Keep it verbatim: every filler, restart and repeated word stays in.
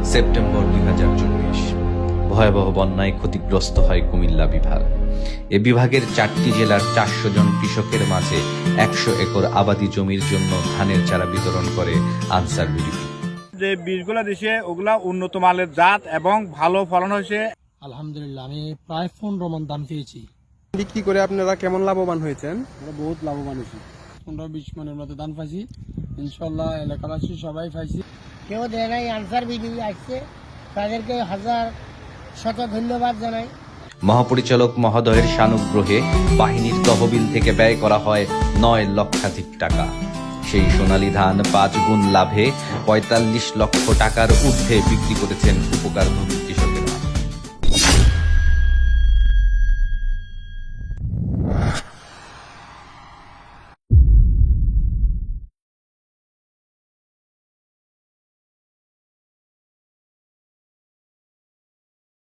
September দুই হাজার চব্বিশ। ভয়াবহ বন্যায় ক্ষতিগ্রস্ত হয় কুমিল্লা বিভাগ। এ বিভাগের চারটি জেলার চারশো জন কৃষকের মাঝে একশো একর আবাদি জমির জন্য ধানের চারা বিতরণ করে আনসার বিডি। যে বীজগুলা দিছে ওগুলা উন্নত মানের জাত এবং ভালো ফলন হয়েছে। আলহামদুলিল্লাহ আমি প্রায় পনেরো মন দাম পেয়েছি। বিক্রি করে আপনারা কেমন লাভবান হয়েছেন? আমরা বহুত লাভবান হয়েছি, পনেরো বিশ মনের মতো দাম পাইছি। ইনশাল্লাহ এলাকাবাসী সবাই পাইছি। কেউ দেয় নাই, আনসার বিডি আসছে, তাদেরকে হাজার শত ধন্যবাদ জানাই। মহাপরিচালক মহোদয়ের সানুগ্রহে বাহিনীর তহবিল থেকে ব্যয় করা হয় নয় লক্ষাধিক টাকা। সেই সোনালী ধান পাঁচ গুণ লাভে পঁয়তাল্লিশ লক্ষ টাকার ঊর্ধ্বে বিক্রি করেছেন উপকারভোগী